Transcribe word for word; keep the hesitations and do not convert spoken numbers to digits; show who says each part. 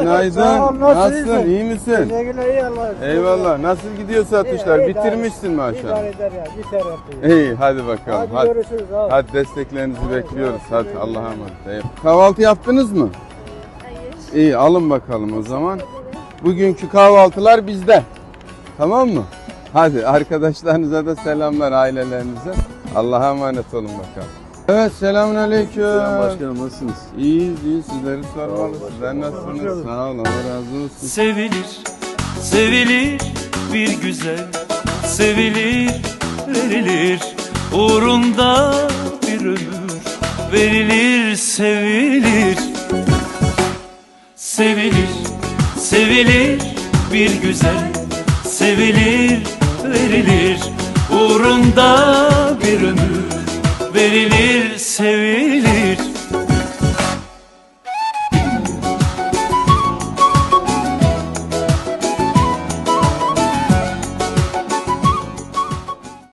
Speaker 1: Günaydın.
Speaker 2: Sağ ol, nasıl
Speaker 1: Nasılsın?
Speaker 2: iyisin?
Speaker 1: İyi misin?
Speaker 2: Teşekkürler, iyi Allah'a şükür.
Speaker 1: Eyvallah. Nasıl gidiyor satışlar?
Speaker 2: İyi, iyi,
Speaker 1: Bitirmişsin maşallah.
Speaker 2: İdare eder ya, biter yapıyor.
Speaker 1: İyi, hadi bakalım.
Speaker 2: Hadi,
Speaker 1: Hadi.
Speaker 2: görüşürüz abi.
Speaker 1: Hadi desteklerinizi bekliyoruz. Hadi Allah'a emanet. Eyvallah. Kahvaltı yaptınız mı?
Speaker 3: Hayır.
Speaker 1: İyi, alın bakalım o zaman. Bugünkü kahvaltılar bizde. Tamam mı? Hadi arkadaşlarınıza da selamlar, ailelerinize. Allah'a emanet olun bakalım. Evet, selamünaleyküm.
Speaker 4: Selam başkanım, nasılsınız?
Speaker 1: İyiyiz, iyi. Sizleri sormalı. Sizler nasılsınız? Sağ olun, Allah razı olsun.
Speaker 5: Sevilir, sevilir bir güzel, sevilir, verilir, uğrunda bir ömür, verilir, sevilir. Sevilir, sevilir bir güzel, sevilir, verilir, uğrunda bir ömür, verilir, sevilir.